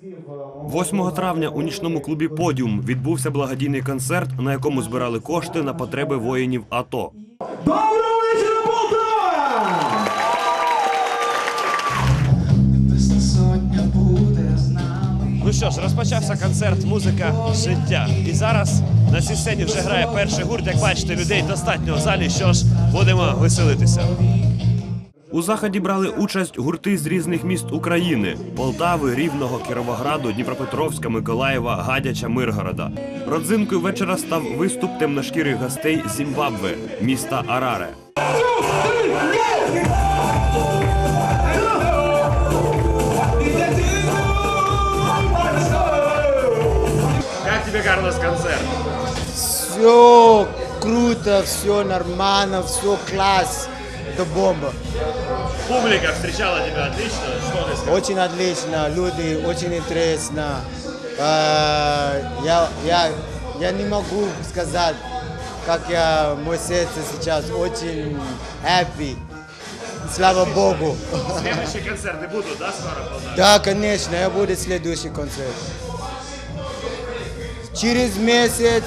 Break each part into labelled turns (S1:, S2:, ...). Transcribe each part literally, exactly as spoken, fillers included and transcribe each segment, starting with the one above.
S1: восьмого травня у нічному клубі «Подіум» відбувся благодійний концерт, на якому збирали кошти на потреби воїнів АТО.
S2: Доброго вечора, Полтава!
S1: Ну що ж, розпочався концерт «Музика життя». І зараз на цій сцені вже грає перший гурт. Як бачите, людей достатньо в залі, що ж, будемо веселитися. У заході брали участь гурти з різних міст України – Полтави, Рівного, Кіровограду, Дніпропетровська, Миколаєва, Гадяча, Миргорода. Родзинкою вечора став виступ темношкірих гостей з Зімбабве, міста Араре. Как тебе, Карлос, концерт?
S3: Все круто, все нормально, все класс. Это бомба.
S1: Публика встречала тебя отлично, что ты скажешь?
S3: Очень отлично, люди, очень интересно. А, Я, я, я не могу сказать, как я, мое сердце сейчас очень happy. Слава Богу.
S1: Следующие концерты будут, да, скоро в Полтаве?
S3: Да, конечно, я буду следующий концерт. Через месяц.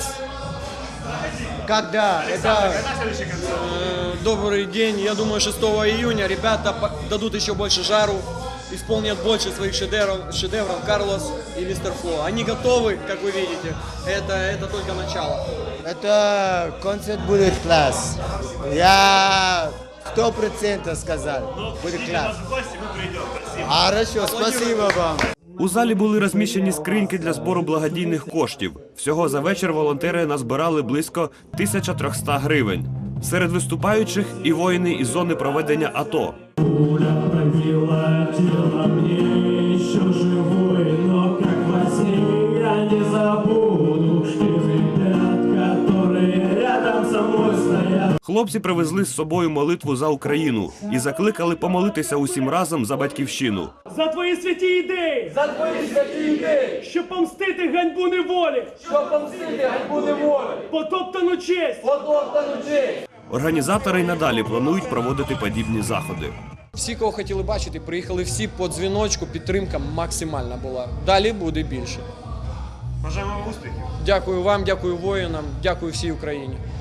S3: Когда? Это...
S1: Когда следующий концерт?
S4: Добрый день. Я думаю, шестого июня ребята дадут еще больше жару, исполнят больше своих шедевров, шедевров Карлос и Мистер Фло. Они готовы, как вы видите. Это, это только начало.
S3: Это концерт будет класс. Я сто процентов сказал. Будет класс.
S1: В гости мы придем. Спасибо.
S3: Хорошо, спасибо вам.
S1: У залі були розміщені скриньки для збору благодійних коштів. Всього за вечір волонтери назбирали близько тисяча триста гривень. Серед виступаючих і воїни із зони проведення АТО. Хлопці привезли з собою молитву за Україну і закликали помолитися усім разом за батьківщину.
S5: За твої святі ідеї!
S6: За твої святі ідеї!
S5: Щоб помстити ганьбу неволі!
S6: Щоб помстити ганьбу неволі!
S5: Потоптану честь!
S6: Потоптану честь!
S1: Організатори й надалі планують проводити подібні заходи.
S4: Всі, кого хотіли бачити, приїхали всі по дзвіночку, підтримка максимальна була. Далі буде більше.
S1: Бажаємо вам успіхів.
S4: Дякую вам, дякую воїнам, дякую всій Україні.